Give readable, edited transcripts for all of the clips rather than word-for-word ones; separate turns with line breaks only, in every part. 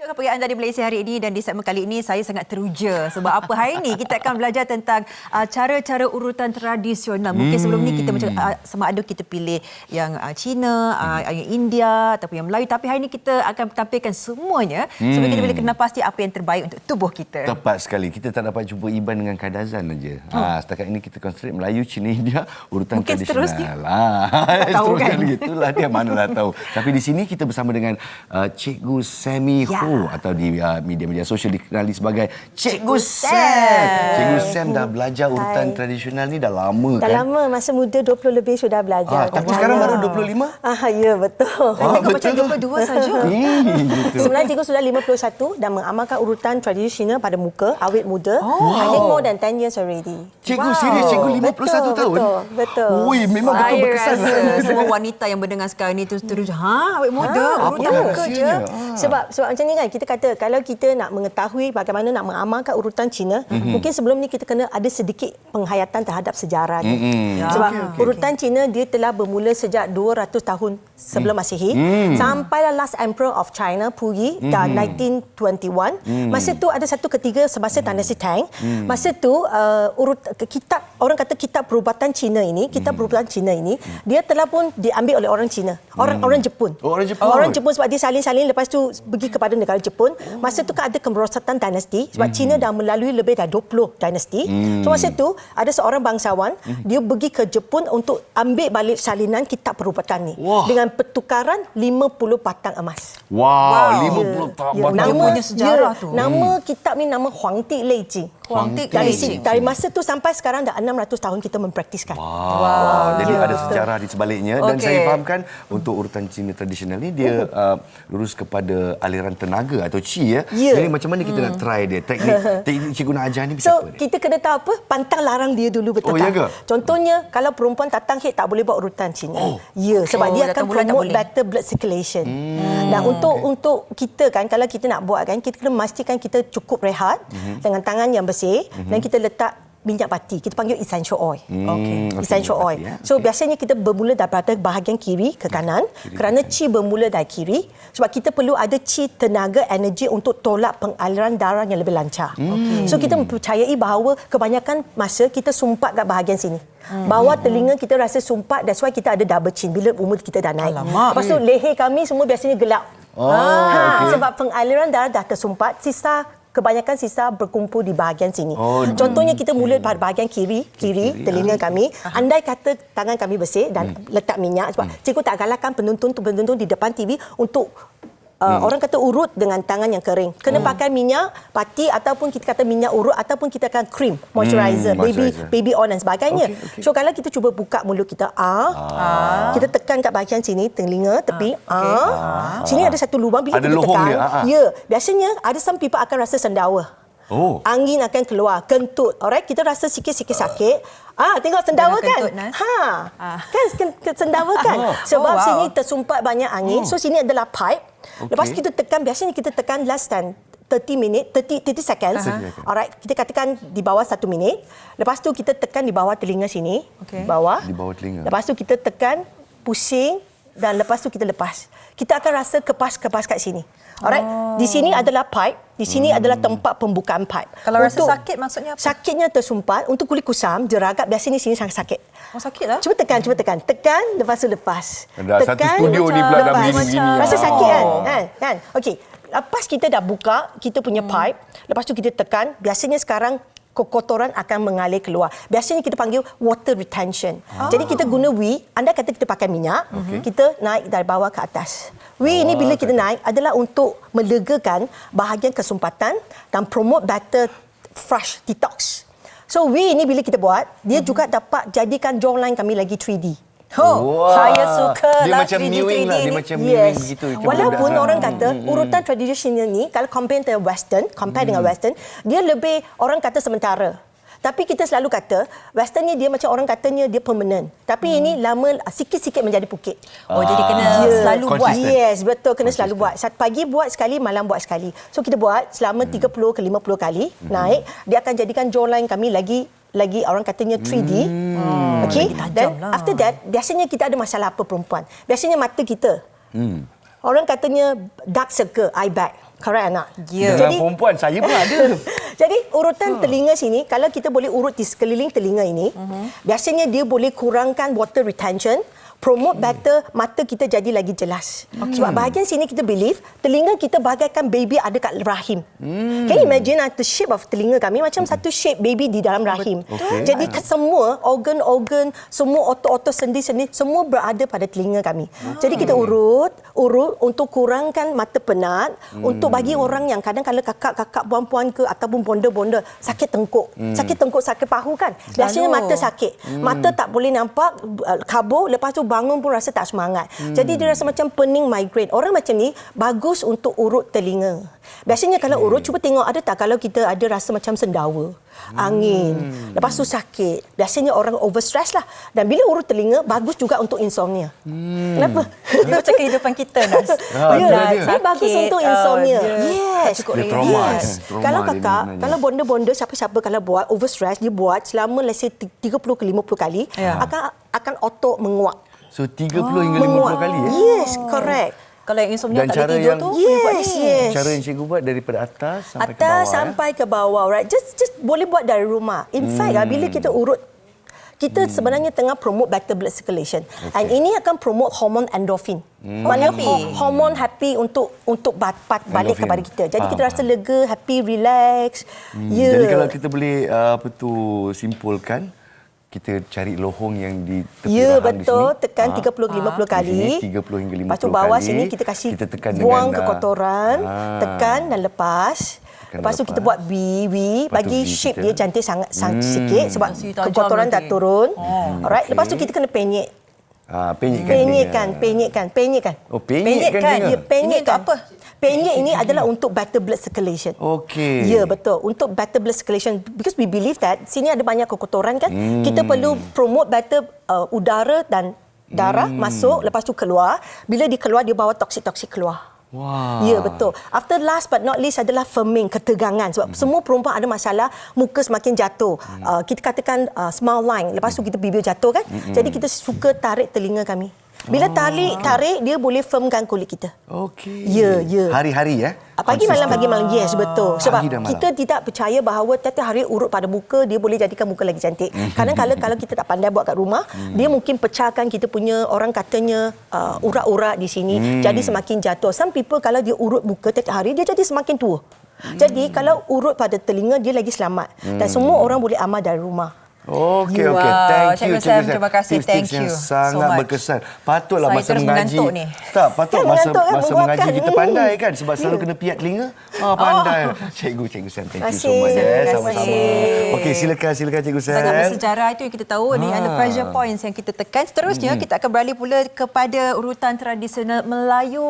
kepergian dari Malaysia hari ini, dan di segmen kali ini saya sangat teruja sebab apa hari ini kita akan belajar tentang cara-cara urutan tradisional. Mungkin sebelum ni kita macam sama ada kita pilih yang Cina, yang India ataupun yang Melayu, tapi hari ini kita akan tampilkan semuanya supaya kita boleh kenal pasti apa yang terbaik untuk tubuh kita.
Tepat sekali. Kita tak dapat jumpa Iban dengan Kadazan saja. Setakat ini kita konsentrate Melayu, Cina, India, urutan
mungkin
tradisional.
Tak tahu kan?
Gitulah dia, manalah tahu. Tapi di sini kita bersama dengan Cikgu Sammy Ho, atau di media-media sosial dikenali sebagai Cikgu Sam. Cikgu Sam dah belajar urutan tradisional ni dah lama kan?
Dah lama, masa muda 20 lebih sudah belajar.
Tapi sekarang baru 25?
Ya, betul.
Tengok macam 22 saja.
Sebenarnya cikgu sudah 51 dan mengamalkan urutan tradisional pada muka, awet muda. I think more than 10 years already.
Cikgu serius, cikgu 51 tahun?
Betul.
Ui, memang betul berkesan.
Saya rasa semua wanita yang mendengar sekarang ni terus awet muda, urutan muka je.
Sebab macam ni kan, kita kata kalau kita nak mengetahui bagaimana nak mengamalkan urutan Cina, mungkin sebelum ni kita kena ada sedikit penghayatan terhadap sejarah dia. Sebab urutan Cina dia telah bermula sejak 200 tahun sebelum Masihi sampailah last emperor of China, Puyi, dan 1921. Masa tu ada satu ketiga semasa dinasti Tang. Masa tu kitab, orang kata kitab perubatan Cina ini, dia telah pun diambil oleh orang Cina, orang Jepun. Orang Jepun sebab dia salin-salin, lepas tu pergi kepada negara Jepun. Masa tu kan ada kemerosotan dinasti sebab Cina dah melalui lebih dari 20 dinasti. So masa tu ada seorang bangsawan, dia pergi ke Jepun untuk ambil balik salinan kitab perubatan ni dengan pertukaran 50 batang emas.
50 batang.
Namanya sejarah tu.
Nama kitab ni nama Huangdi Leijing. Dari masa tu sampai sekarang dah 600 tahun kita mempraktiskan.
Jadi ada sejarah di sebaliknya. Dan saya fahamkan untuk urutan Cina tradisional ni dia lurus kepada aliran tenaga atau Qi ya. Jadi macam mana kita nak try dia? Teknik cikgu nak ajar ni macam apa?
Kita kena tahu apa? Pantang larang dia dulu, betul tak? Contohnya kalau perempuan tatang haid tak boleh buat urutan Cina. Sebab dia akan promote better blood circulation. Dan untuk kita kan, kalau kita nak buat kan, kita kena memastikan kita cukup rehat dengan tangan yang bersih dan kita letak minyak pati. Kita panggil essential oil. Essential oil. So biasanya kita bermula daripada bahagian kiri ke kanan kerana Qi bermula dari kiri sebab kita perlu ada Qi, tenaga, energi untuk tolak pengaliran darah yang lebih lancar. So kita mempercayai bahawa kebanyakan masa kita sumpat kat bahagian sini. Bawah telinga kita rasa sumpat, that's why kita ada double chin bila umur kita dah naik. Lepas tu leher kami semua biasanya gelap. Sebab pengaliran darah dah tersumpat, kebanyakan sisa berkumpul di bahagian sini. Contohnya kita mula pada bahagian kiri telinga kami. Andai kata tangan kami bersih dan letak minyak, sebab cikgu tak galakkan penonton di depan TV untuk orang kata urut dengan tangan yang kering. Kena pakai minyak pati ataupun kita kata minyak urut ataupun kita akan cream, moisturizer, baby oil dan sebagainya. So kalau kita cuba buka mulut kita, kita tekan kat bahagian sini, telinga, tepi, sini ada satu lubang bila kita tekan. Biasanya ada some people akan rasa sendawa. Angin akan keluar, kentut. Alright, kita rasa sikit-sikit sakit. Tengok sendawa kan? Kan sendawa kan? Sebab sini tersumpat banyak angin. So sini adalah pipe. Lepas kita tekan, biasanya kita tekan less than 30 seconds. Alright, kita katakan di bawah 1 minit. Lepas tu kita tekan di bawah telinga sini. Bawah. Di bawah telinga. Lepas tu kita tekan, pusing dan lepas tu kita lepas. Kita akan rasa kepas-kepas kat sini. Alright, di sini adalah pipe, di sini adalah tempat pembukaan pipe.
Kalau rasa sakit maksudnya apa?
Sakitnya tersumpat, untuk kulit kusam, jeragap, biasanya sini sangat sakit.
Sakit lah.
Cuba tekan. Tekan, lepas tu lepas.
Ada satu studio ni pula dah begini.
Rasa sakit kan? Okey. Lepas kita dah buka kita punya pipe, lepas tu kita tekan, biasanya sekarang kotoran akan mengalir keluar. Biasanya kita panggil water retention. Jadi kita guna anda kata kita pakai minyak, kita naik dari bawah ke atas. Ini bila kita naik adalah untuk melegakan bahagian kesumpatan dan promote better flush detox. So ini bila kita buat, dia juga dapat jadikan jawline kami lagi 3D.
Saya suka
dia
lah
macam
3D,
mewing
3D
lah, dia macam mewing gitu.
Walaupun orang kata urutan tradisional ni kalau compare dengan western, dia lebih orang kata sementara. Tapi kita selalu kata western ni dia macam orang katanya dia permanent. Tapi ini lama sikit-sikit menjadi bukit.
Jadi kena selalu buat.
Yes, betul, kena selalu buat. Pagi buat sekali, malam buat sekali. So kita buat selama 30 ke 50 kali naik, dia akan jadikan jawline kami lagi orang katanya 3D. Okey. Dan after that, biasanya kita ada masalah apa perempuan? Biasanya mata kita. Orang katanya dark circle, eye bag. Correct anak?
Ya.
Dengan perempuan, saya pun ada.
Jadi urutan telinga sini, kalau kita boleh urut di sekeliling telinga ini, biasanya dia boleh kurangkan water retention, promote better mata kita jadi lagi jelas. Sebab bahagian sini kita believe telinga kita bagaikan baby ada kat rahim. Can you imagine the shape of telinga kami macam satu shape baby di dalam rahim. Jadi semua organ-organ, semua otot-otot sendi-sendi semua berada pada telinga kami. Jadi kita urut untuk kurangkan mata penat, untuk bagi orang yang kadang-kadang kakak-kakak puan-puan ke ataupun bonda-bonda sakit tengkuk, sakit pahu kan. Biasanya mata sakit. Mata tak boleh nampak, kabur, lepas tu bangun pun rasa tak semangat. Jadi dia rasa macam pening, migraine. Orang macam ni bagus untuk urut telinga. Biasanya kalau urut, cuba tengok ada tak kalau kita ada rasa macam sendawa, angin, lepas tu sakit. Biasanya orang overstress lah. Dan bila urut telinga, bagus juga untuk insomnia. Kenapa?
Dia macam kehidupan kita, Nas.
Dia bagus untuk insomnia. Yes.
Cukup
Yes. Kalau kakak, kalau bonda-bonda, siapa-siapa kalau buat overstress, dia buat selama let's say 30 ke 50 kali, akan otot menguap.
So 30 hingga 50 kali ya?
Yes, correct.
Kalau yang insomnia
Dan
tak
cara
boleh tidur
yang-
tu,
Yes.
Cara yang cikgu buat daripada atas sampai ke
Atas
bawah.
sampai ke bawah, right? Just boleh buat dari rumah. In fact, bila kita urut, kita sebenarnya tengah promote better blood circulation. And ini akan promote hormon endorphin. Maknanya hormon happy untuk balik
Endorphin.
kepada kita. Jadi
Faham,
kita rasa lega, happy, relax. Ya.
Jadi kalau kita boleh simpulkan, kita cari lohong yang di tepi
Ya,
rahang
betul.
di sini.
Tekan 30-50
Di
kali.
sini 30 hingga 50
Lepas tu bawah
kali.
sini kita kasih
Kita tekan
buang
dengan,
kekotoran. Tekan dan lepas.
Tekan
Lepas tu
lepas.
kita buat V,
Lepas tu
bagi
V
shape
kita.
dia cantik sangat sikit sebab
Masih tajam
kekotoran dah
nanti.
turun. Alright,
okey.
lepas tu kita kena penyek.
Penyekkan.
Penyekkan.
Oh, penyekkan
Penyekkan.
telinga.
Ya, penyekkan.
Ini untuk apa?
Penyek ini adalah untuk better blood circulation.
Okey.
Ya, betul. Untuk better blood circulation. Because we believe that sini ada banyak kekotoran kan. Kita perlu promote better udara dan darah masuk, lepas tu keluar. Bila dia keluar, dia bawa toksik-toksik keluar.
Wah.
Ya, betul. After last but not least adalah firming, ketegangan. Sebab semua perempuan ada masalah, muka semakin jatuh. Kita katakan smile line. Lepas tu kita bibir jatuh kan. Jadi kita suka tarik telinga kami. Bila tarik, dia boleh firmkan kulit kita.
Okey.
Ya, ya.
Hari-hari ya?
Pagi malam, pagi malam. Yes, betul. Sebab
Pagi dan malam.
kita tidak percaya bahawa tiap hari urut pada muka, dia boleh jadikan muka lagi cantik. Kadang-kadang kalau kita tak pandai buat kat rumah, dia mungkin pecahkan kita punya, orang katanya, urat-urat di sini. Jadi semakin jatuh. Some people kalau dia urut muka tiap hari, dia jadi semakin tua. Jadi kalau urut pada telinga, dia lagi selamat. Dan semua orang boleh amal dari rumah.
Okey,
Wow,
okey. Thank you,
Cikgu Sam. Terima kasih.
Tips-tips
Thank
yang
you
sangat
so much.
berkesan. Patutlah
Saya
masa
terus
mengaji.
mengantuk ni.
Tak, patut
Kan
masa
mengantuk kan,
mengaji
menguapkan.
kita pandai kan sebab selalu kena piat telinga. Pandai. Cikgu Sam, thank you so much.
Terima kasih.
Sama-sama. Okey, silakan Cikgu Sam.
Sangat bersejarah itu yang kita tahu ni ada pressure points yang kita tekan. Seterusnya kita akan beralih pula kepada urutan tradisional Melayu.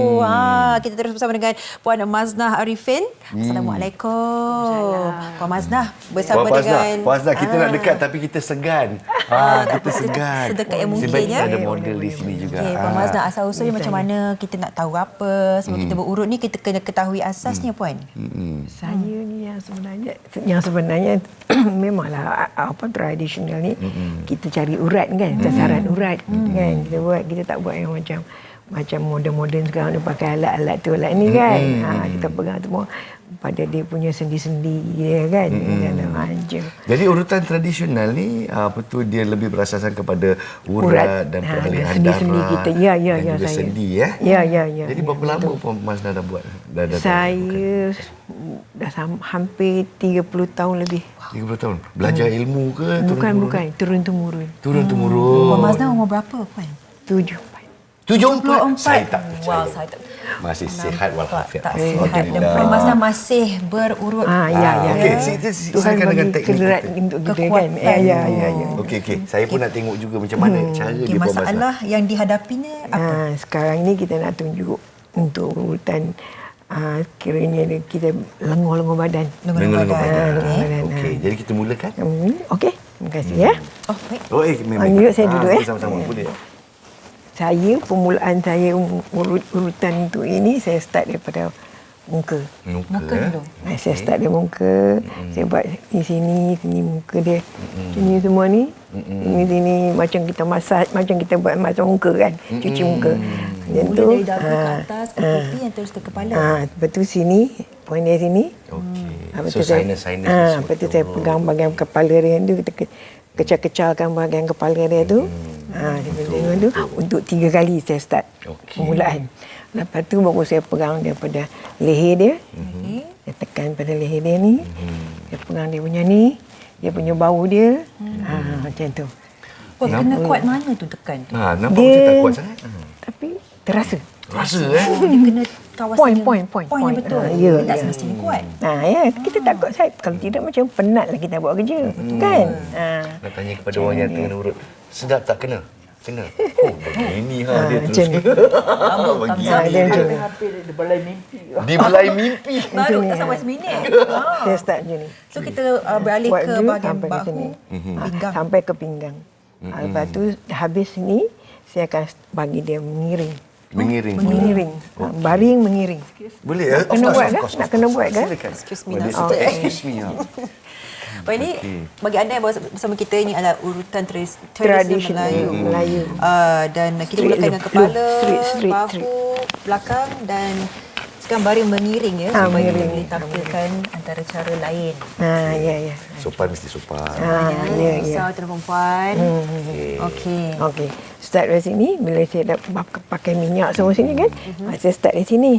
Kita terus bersama dengan Puan Maznah Arifin. Assalamualaikum. Puan Maznah bersama dengan
Puan Maznah, kita nak dekat tapi kita segan. Kita segan.
sedekat yang
Sebab
mungkin,
kita
ya.
ada model di sini juga.
Okey, Puan Maznah, asal-usulnya macam mana? Kita nak tahu apa? Sebelum kita berurut ni, kita kena ketahui asasnya, Puan.
Saya ni yang sebenarnya memanglah tradisional ni kita cari urat kan, sasaran urat kan. Kita tak buat yang macam moden-moden sekarang ni pakai alat-alat tu alat ni kan. Kita pegang semua pada dia punya sendi-sendi ya kan.
Jadi urutan tradisional ni dia lebih berasaskan kepada urat dan peralihan
sendi-sendi
darah
kita. Ya,
dan juga
saya.
sendi ya.
Ya.
Jadi berapa lama Puan Maznah dah buat?
Saya dah hampir 30 tahun lebih.
30 tahun. Belajar ilmu ke?
Bukan, turun-temurun.
Turun-temurun.
Puan Maznah umur berapa, Puan?
74.
74. Saya tak percaya.
Wow, saya tak.
Masih sihat walafiat.
Tak sihat. Dan Puan Maznah masih berurut.
Ya.
Okey,
Tuhan
silakan dengan
bagi
teknik
kederat
kita.
untuk kita kan.
Kekuatan.
Ya.
Okey. Saya pun nak tengok juga macam mana cara
Okay,
dia Puan Maznah.
masalah yang dihadapinya apa?
Sekarang ni kita nak tunjuk untuk urutan kiranya kita lengur-lengur badan.
Lengur badan.
Okey.
Okey, jadi kita mulakan.
Okey, terima kasih ya.
Oh, baik.
Memang.
Yuk saya duduk
Sama-sama boleh.
Permulaan saya urutan untuk ini saya start daripada
muka.
Muka dulu.
Saya start dari muka, saya buat di sini muka dia. Sini semua ni. Sini macam kita massage, macam kita buat massage muka kan. Cuci muka. Macam tu.
Mula dari dagu ke atas, ke pipi yang terus ke kepala.
Lepas tu sini, poin dia sini.
Okey.
Lepas
So
tu saya,
sinus
lepas tu saya pegang bahagian kepala dia tu, kita kecal-kecalkan bahagian kepala dia tu. Tengok tu untuk 3 kali saya start permulaan. Lepas tu baru saya pegang daripada leher dia. Saya tekan pada leher dia ni. Saya pegang dia punya ni, dia punya bau dia. Macam tu.
Oh, kena kuat mana tu tekan tu?
Nampak
Dia-
macam tak kuat sangat.
Tapi terasa.
Rasa
Oh, dia kena kawasan
Point.
yang betul.
Ya,
Dia tak
ya.
semestinya kuat.
Ya, kita takut Saib. Kalau tidak macam penatlah kita buat kerja. Kan?
Nak tanya kepada orang yang tengah urut, sedap tak kena? Kena. Oh, begini dia
Macam
terus.
ni. Dia macam ni.
Dibelai mimpi.
Baru tak sampai seminit.
Saya start macam ni.
So kita beralih
Buat
ke
dulu
bahagian
sampai ke sini.
bahu, pinggang.
Sampai ke pinggang. Lepas tu habis ni saya akan bagi dia mengiring.
Mengiring.
Mengiring. Baring mengiring.
Boleh ya?
Kena buat kan? Nak kena buat kan?
Excuse me.
Excuse me.
Baik, ini bagi anda yang bersama kita, ini adalah urutan tradisional
Tradisional Melayu.
Dan kita
Straight
mulakan dengan
look.
kepala,
Straight.
bahu, belakang dan sekarang baring mengiring ya, supaya kita
mengiring.
boleh tampilkan antara cara lain.
Ya.
Sopan mesti sopan.
Ya.
Usaha tuan perempuan. Okey.
Okey. Start dari sini. Bila saya dah pakai minyak semua sini kan. Saya start dari sini.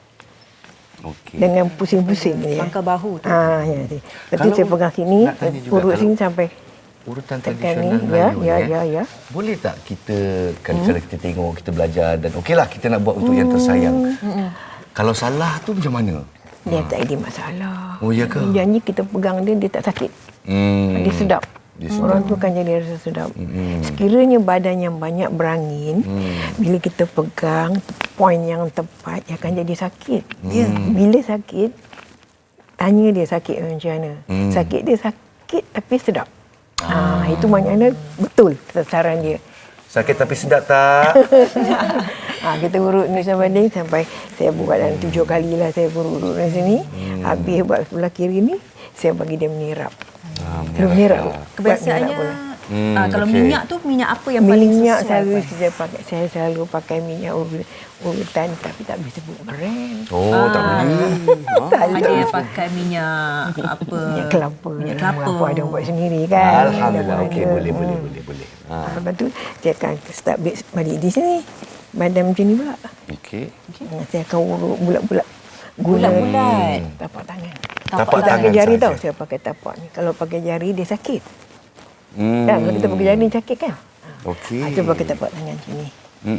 Okey.
Dengan pusing-pusing dia.
Pangkal bahu tu.
Ya. Lepas tu
Kalau
saya pegang sini.
nak tanya juga,
Urut
kalau-
sini sampai
Urutan
tekan
tradisional
ni.
Melayu
Ya.
Boleh tak kita kalau kita tengok, kita belajar dan okeylah kita nak buat untuk yang tersayang. Kalau salah tu macam mana?
Dia tak ada masalah.
Oh, ya ke?
Janji kita pegang dia tak sakit. Dia sedap.
Dia sedap.
Orang tu kan jadi rasa sedap. Sekiranya badan yang banyak berangin, bila kita pegang poin yang tepat, dia akan jadi sakit. Bila sakit, tanya dia sakit macam mana. Sakit dia sakit tapi sedap. Itu maknanya betul sasaran dia.
Sakit tapi sedap tak?
Kita urut ni sampai saya buat dalam 7 kali lah saya urut dari sini. Habis buat sebelah kiri ni, saya bagi dia menirap. Terus menirap.
Kebiasaannya
Buat menirap pula.
kalau
okey.
minyak tu minyak apa yang paling
Minyak
sesuai?
saya selalu pakai minyak urutan tapi tak boleh sebut brand.
Oh, tak boleh.
Ada yang pakai minyak apa?
Minyak kelapa.
Minyak kelapa.
Apa ada buat sendiri kan.
Alhamdulillah.
Ada.
Okey, boleh.
Lepas tu saya akan start balik di sini. Badan macam ni pula.
Okey.
Saya akan urut bulat-bulat.
Bulat-bulat.
Tapak tangan.
Tapak
Tak pakai
tangan
jari
saja.
tau. Saya pakai tapak ni. Kalau pakai jari dia sakit. Kan kalau kita pakai jari sakit kan.
Okey.
Itu pakai tapak tangan macam ni.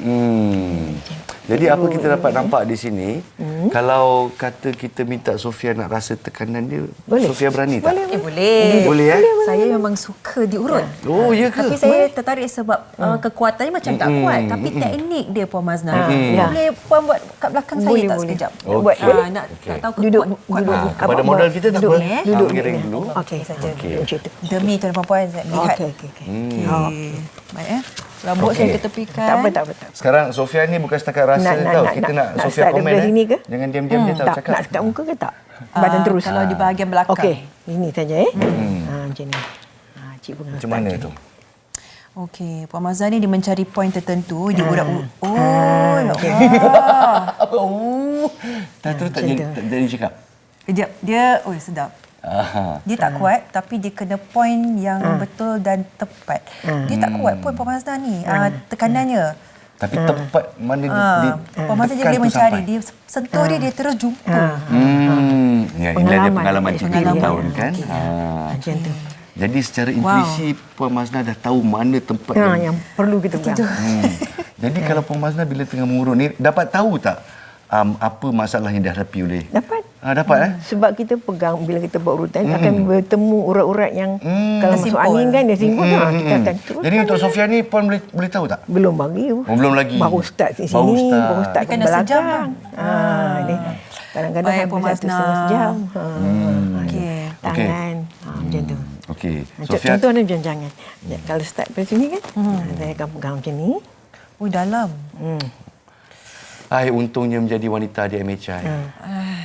Jadi apa kita dapat nampak di sini, kalau kata kita minta Sofia nak rasa tekanan dia,
Boleh.
Sofia berani tak?
Boleh.
Boleh ya?
Saya memang suka diurut.
Oh, ya ke?
Tapi saya tertarik sebab kekuatannya macam tak kuat. Tapi teknik dia Puan Mazna.
Ya.
Boleh Puan buat kat belakang saya
Boleh,
tak
boleh.
sekejap?
Buat,
Boleh. Nak tahu
Duduk,
kuat
duduk.
mana.
Kepada modal kita tak
Duduk,
apa?
duduk.
Mengiring dulu.
Okey saja. Macam tu.
Demi tuan perempuan saya lihat.
Okey.
Baik Rambut saya ketepikan.
Tak apa.
Sekarang Sofia ni bukan setakat rasa tau. Kita nak Sofia
start
komen
daripada sini ke?
Jangan diam-diam dia tahu
Tak,
cakap.
nak dekat muka ke tak? Badan terus.
Kalau di bahagian belakang.
Okey, ini saja macam ni. Cik pegang.
Macam mana tu?
Okey, Puan Mazna ni dia mencari poin tertentu, dia urat. Oh, ya Allah.
Oh. Tak terus tak jadi cakap.
Kejap, dia sedap. Dia tak kuat tapi dia kena poin yang betul dan tepat. Dia tak kuat pun Puan Mazna ni tekanannya.
Tapi tepat mana
Puan Mazna dia boleh mencari, dia sentuh dia terus jumpa.
Ya, ini ada pengalaman 30 tahun kan.
Macam tu.
Jadi secara intuisi Puan Mazna dah tahu mana tempat
Yang perlu kita pegang.
Jadi kalau Puan Mazna bila tengah mengurut ni dapat tahu tak apa masalah yang dihadapi oleh?
Dapat.
Dapat
Sebab kita pegang bila kita buat urutan akan bertemu urat-urat yang kalau masuk
Tersimpul.
angin kan dia simpul kita akan terus.
Jadi untuk Sofia ni Puan boleh tahu tak?
Belum bagi.
Belum lagi.
Baru start di
Baru
sini,
start.
baru start
Dia
ke
kena sejam,
belakang. Ni kadang-kadang
Baik,
habis
Puan
satu
Mazna.
setengah sejam.
Okey.
Tangan. Macam tu.
Okey. Sofia
Contoh ni jangan. Kalau start dari sini kan, saya akan pegang macam ni.
Oh, dalam.
untungnya menjadi wanita di MHI.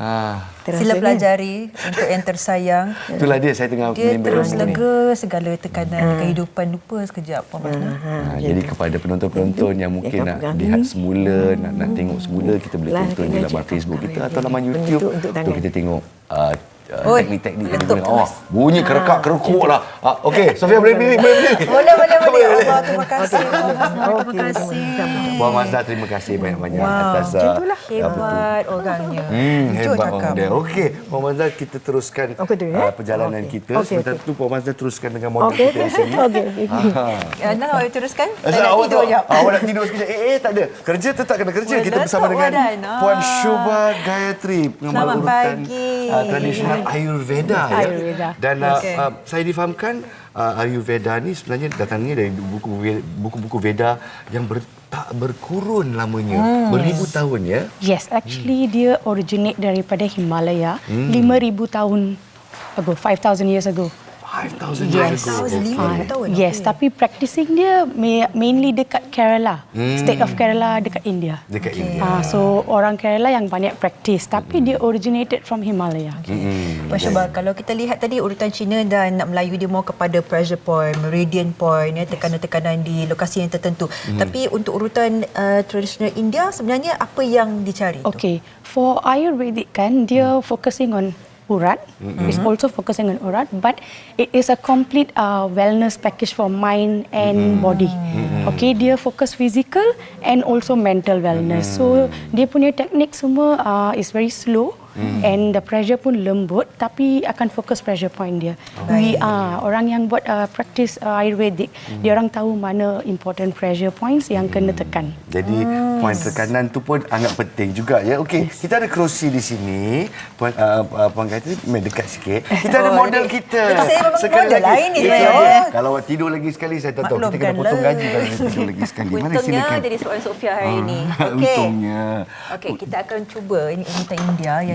Sila pelajari untuk yang tersayang.
Itulah dia, saya tengah
Dia
menimba
terus
ilmu ni.
lega segala tekanan kehidupan, lupa sekejap. Puan Masna.
Jadi kepada penonton-penonton yang mungkin nak lihat semula, nak tengok semula, kita boleh tonton di laman Facebook kita atau laman YouTube untuk kita tengok teknik-teknik yang digunakan. Bunyi kerekak-kerekuk lah. Okey, Sofia boleh berdiri.
Boleh. Allah, terima kasih. Terima kasih.
Puan Mazda, terima kasih banyak-banyak atas
hebat orangnya.
Hebat orang dia. Okey, Puan Mazda, kita teruskan perjalanan kita. Sebentar tu Puan Mazda teruskan dengan model kita di sini.
Nak awak teruskan?
Awak nak tidur sekejap. Tak ada. Kerja tetap kena kerja. Kita bersama dengan Puan Shubha Gayatri.
Selamat pagi.
Tradisional Ayurveda. Dan saya difahamkan Ayurveda ni sebenarnya datangnya dari buku-buku Veda yang tak berkurun lamanya, beribu tahun ya.
Yes, actually dia originate daripada Himalaya 5,000 tahun ago, 5,000 years ago.
5,000 years ago.
5,000 tahun.
Yes, tapi practicing dia mainly dekat Kerala, state of Kerala dekat India.
Dekat India.
So orang Kerala yang banyak practice, tapi dia originated from Himalaya.
Puan Shubha, kalau kita lihat tadi urutan Cina dan Melayu dia mau kepada pressure point, meridian point, tekanan-tekanan di lokasi yang tertentu. Tapi untuk urutan tradisional India sebenarnya apa yang dicari tu?
Okay, for Ayurvedic kan dia focusing on urat. It's also focusing on urat, but it is a complete wellness package for mind and body. Okay, dia fokus physical and also mental wellness. So dia punya teknik semua is very slow. And the pressure pun lembut, tapi akan fokus pressure point dia. We orang yang buat practice Ayurvedic, dia orang tahu mana important pressure points yang kena tekan.
Jadi poin tekanan tu pun sangat penting juga ya. Okey, kita ada kerusi di sini. Puan Gayatri dekat sikit. Kita ada model kita.
Saya memang
Sekali
model
lagi.
lain ni.
Kalau awak tidur lagi sekali saya tak tahu. Kita kena potong gaji kalau dia tidur lagi sekali. Mana
Untungnya
silakan.
jadi soalan Sofia hari ini. Okey.
Untungnya.
Okey, kita akan cuba ini urutan India yang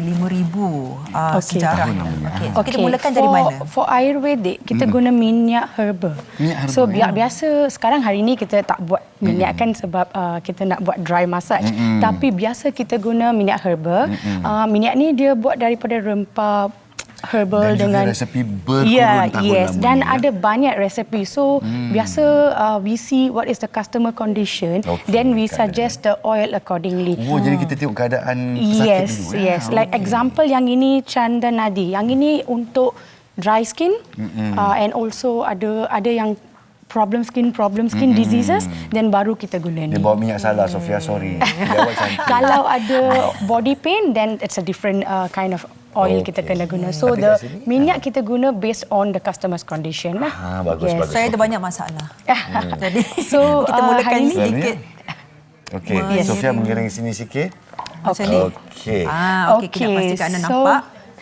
5,000 sejarah. Okey. So, kita mulakan dari mana?
For Ayurvedic, kita guna minyak herba. So biasa sekarang hari ni kita tak buat minyak kan sebab kita nak buat dry massage. Tapi biasa kita guna minyak herba. Minyak ni dia buat daripada rempah herbal
dan
dengan
resepi berkurun tahun lamanya.
Dan ada banyak resepi. So biasa we see what is the customer condition, then we suggest the oil accordingly.
Jadi kita tengok keadaan pesakit dulu.
Yes. Like example yang ini Chanda Nadi. Yang ini untuk dry skin and also ada yang problem skin diseases, then baru kita guna ni.
Dia bawa minyak salah, Sofia, sorry. Dia awak cantik.
Kalau ada body pain, then it's a different kind of oil kita kena guna. So
Tapi
the
kat sini,
minyak kita guna based on the customer's condition lah.
Bagus.
Saya ada banyak masalah. Jadi
So
kita mulakan
hari ni
sedikit.
Okey, Sofia mengiring sini sikit.
Macam ni.
Okey.
Okey, kita pastikan anda nampak.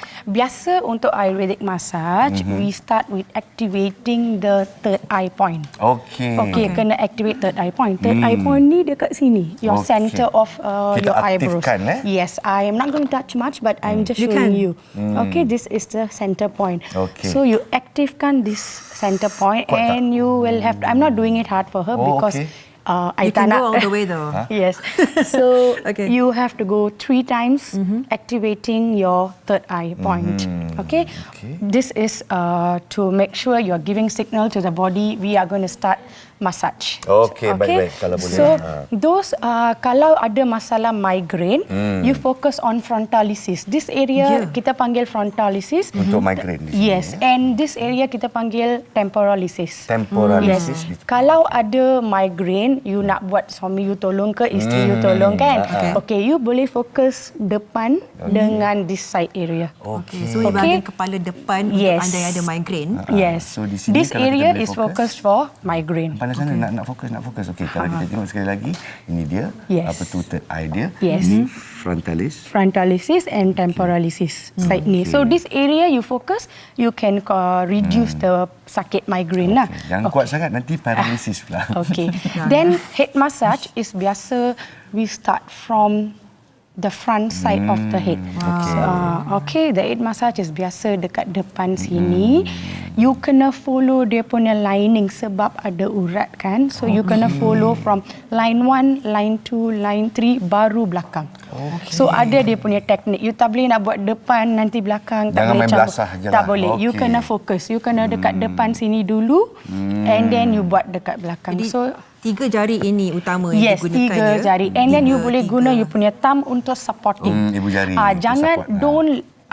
Biasa untuk Ayurvedic massage, we start with activating the third eye point. Okay, kena activate third eye point. Third eye point ni dekat sini, your center of
Kita
your eyebrows.
aktifkan,
Yes, I am not going to touch much, but I'm just showing you. Okay, this is the center point.
Okay.
So you activekan this center point, and you will have. I'm not doing it hard for her because.
You can go all the way though.
Yes. So
Okay.
you have to go 3 times activating your third eye point. Okay? This is to make sure you are giving signal to the body we are going to start massage.
Okey, baik-baik kalau boleh.
So those kalau ada masalah migraine, you focus on frontalis. This area kita panggil frontalis.
Untuk migraine di sini.
Yes, and this area kita panggil temporalis.
Temporalis.
Yes. Kalau ada migraine, you nak buat suami you tolong ke isteri you tolong kan? Okay, you boleh fokus depan dengan this side area.
Okey, so di bahagian kepala depan untuk anda yang ada migraine.
Yes.
So di sini
This
kalau kita
area
boleh
is
fokus.
focused for migraine.
Pandai sana nak fokus. Okey, kalau kita tengok sekali lagi, ini dia.
Yes.
Apa tu third eye dia?
Yes.
Ini frontalis.
Frontalis and temporalis side ni. So this area you focus, you can reduce the sakit migraine lah.
Jangan kuat sangat nanti paralisis pula.
Okay. Then head massage is biasa we start from the front side of the head. Okay, the head massage is biasa dekat depan sini. you kena follow dia punya lining sebab ada urat kan. So you kena follow from line 1, line 2, line 3 baru belakang. So ada dia punya teknik. You tak boleh nak buat depan nanti belakang, tak
Jangan
boleh
main
campur.
belasah je
Tak
lah.
boleh. You
Okey.
kena fokus. You kena dekat depan sini dulu and then you buat dekat belakang.
Jadi,
So
3 jari ini utama yang
yes,
digunakan
3 jari. And then you boleh guna you punya thumb untuk supporting.
Ibu jari untuk
Jangan
support.
don't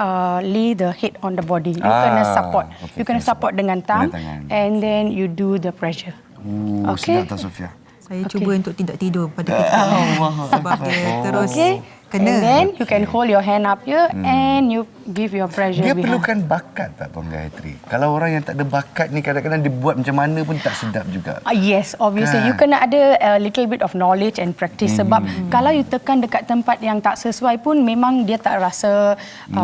lay the head on the body. You kena support.
Okay,
You kena
kena
support dengan thumb
dengan tangan.
and then you do the pressure.
Sedap tak Sofia?
Saya cuba untuk tidak tidur pada ketika ini sebab dia terus kena.
And then you can hold your hand up here and you give your pressure
Dia
behind.
perlukan bakat tak Puan Gayatri? Kalau orang yang tak ada bakat ni kadang-kadang dia buat macam mana pun tak sedap juga.
Yes, obviously.
Kan?
You kena ada a little bit of knowledge and practice sebab kalau you tekan dekat tempat yang tak sesuai pun memang dia tak rasa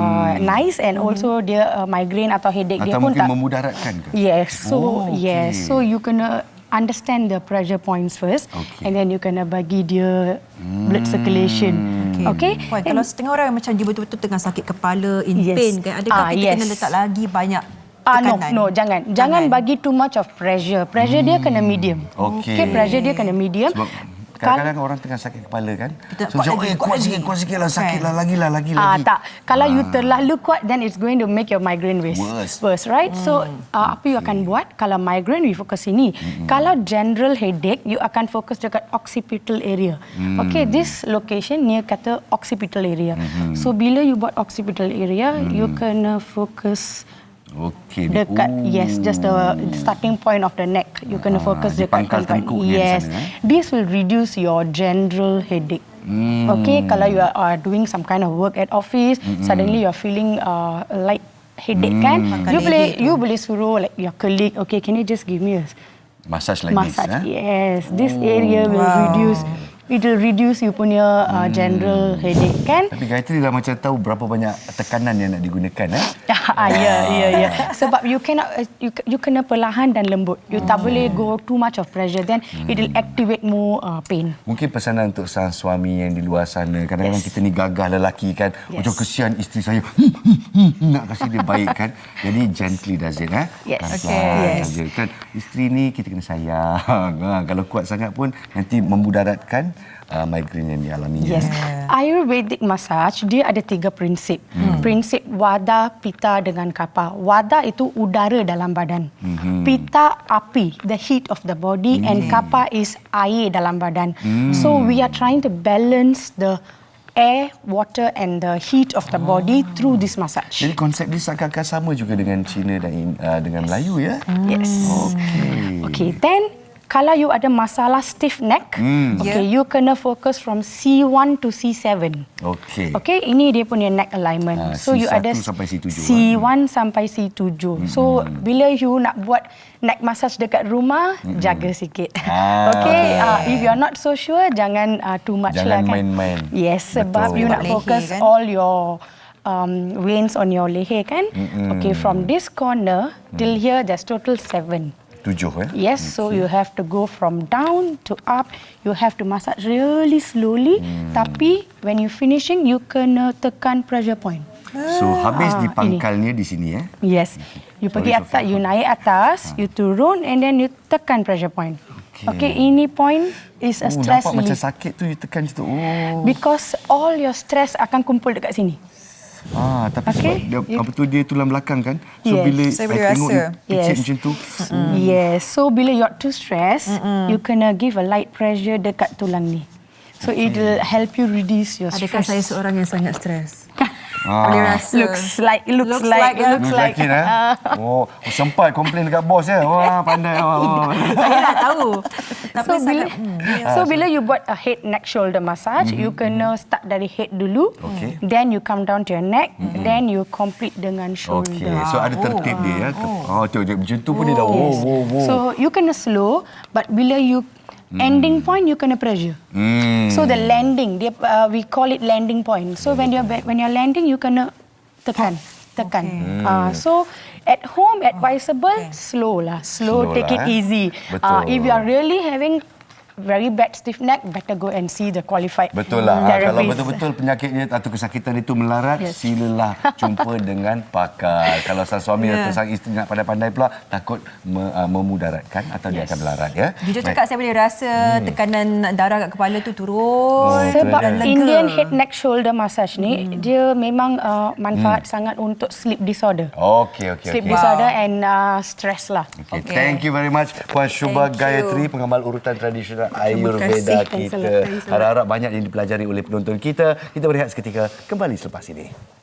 nice and also dia migraine atau headache dia
Atau
pun
mungkin
tak.
memudaratkan ke?
Yes, so
okay.
yes, so you kena understand the pressure points first and then you kena bagi dia blood circulation. Okay?
Puan, kalau setengah orang macam dia betul-betul tengah sakit kepala, in
Yes.
pain kan, adakah kita
Yes.
kena letak lagi banyak
No,
tekanan?
jangan bagi too much of pressure. Pressure dia kena medium.
Okey.
Pressure dia kena medium.
Sebab kadang-kadang orang tengah sakit kepala kan.
Kita
So
kuat
macam,
lagi, kuat
kuat
lagi."
sikit lah, sakit lah, lagi.
Tak. Kalau you terlalu kuat, then it's going to make your migraine worse, right? So, apa you akan buat? Kalau migraine, you fokus sini. Kalau general headache, you akan fokus dekat occipital area. Okay, this location near kata occipital area. So, bila you buat occipital area, you kena fokus
Okey.
dekat just the starting point of the neck. You kena fokus
di
dekat
pangkal
tempat.
tengkuk dia di
Yes,
sana,
this will reduce your general headache. Okay, kalau you are doing some kind of work at office, suddenly you are feeling light headache kan, you boleh suruh like your colleague, okay, can you just give me a
Massage like
massage?
this.
Yes, this area will reduce. It will reduce you punya general headache kan?
Tapi Gayatri dah macam tahu berapa banyak tekanan yang nak digunakan
Ya. Sebab you cannot you kena perlahan dan lembut. You tak boleh go too much of pressure, then it will activate more pain.
Mungkin pesanan untuk sang suami yang di luar sana. Kadang-kadang kita ni gagah lelaki kan. Macam kesian isteri saya. Nak kasih dia baik kan. Jadi gently does it.
Yes.
Pelan-pelan saja kan. Isteri ni kita kena sayang. Kalau kuat sangat pun nanti memudaratkan migraine yang dialaminya.
Yes. Ayurvedic massage dia ada 3 prinsip. Prinsip Vata, Pitta dengan Kapha. Vata itu udara dalam badan. Pitta api, the heat of the body, and Kapha is air dalam badan. So we are trying to balance the air, water and the heat of the body through this massage.
Jadi konsep dia seakan-akan sama juga dengan Cina dan dengan Melayu ya.
Yes. Okay, then kalau you ada masalah stiff neck, okay, you kena fokus from C1 to C7.
Okey.
Okay, ini dia punya neck alignment. So you
C1
ada
sampai C7,
C1 sampai C7. So bila you nak buat neck massage dekat rumah, jaga sikit. Okay, if you are not so sure, jangan too much
Jangan
lah kan.
main-main.
Yes, sebab
Betul.
you nak
Leher
fokus
kan?
all your veins on your leher kan. Okay, from this corner till here, there's total 7.
7
Yes, so you have to go from down to up. You have to massage really slowly. Tapi when you finishing, you kena tekan pressure point.
So habis di pangkalnya di sini
Yes, you pergi
Sorry,
atas, you naik atas, you turun and then you tekan pressure point. Okay, ini point is a stress
nampak macam
relief.
sakit tu you tekan situ.
Because all your stress akan kumpul dekat sini.
Tapi sebab dia, apa tu dia tulang belakang kan. So
Yes.
bila
Saya
I
boleh
tengok
rasa.
you picit
Yes.
macam tu.
Yes, so bila you're too stressed, you kena give a light pressure dekat tulang ni. So it will help you reduce your
Adakah
stress.
saya seorang yang sangat stres? Boleh rasa.
Looks like
Lelaki sempat komplain dekat bos ya. Wah, pandai.
Saya nak tahu. Tapi
So bila,
sangat,
bila you buat a head, neck, shoulder massage, you kena start dari head dulu,
Okay.
then you come down to your neck, then you complete dengan shoulder.
Okey, so ada tertib dia ya. Macam tu pun dia dah wow.
So you kena slow, but bila you ending point, you kena pressure. So the landing, we call it landing point. So when you're landing, you kena tekan. So at home, advisable, slow,
Slow
take
lah,
it easy.
Betul.
If you are really having very bad stiff neck, better go and see the qualified
Betul lah. Kalau
therapist.
betul-betul penyakitnya atau kesakitan itu melarat, silalah jumpa dengan pakar. Kalau sang suami atau sang isteri nak pandai-pandai pula, takut memudaratkan atau dia akan melarat. Ya.
Jujur cakap, saya boleh rasa tekanan darah kat kepala tu turun.
Sebab
dan lega.
Indian head neck shoulder massage ni dia memang manfaat sangat untuk sleep disorder.
Okey.
Sleep disorder and stress lah.
Okay. Thank you very much Puan Shubha Gayatri, pengamal urutan tradisional Ayurveda kita. Harap-harap banyak yang dipelajari oleh penonton kita. Kita berehat seketika, kembali selepas ini.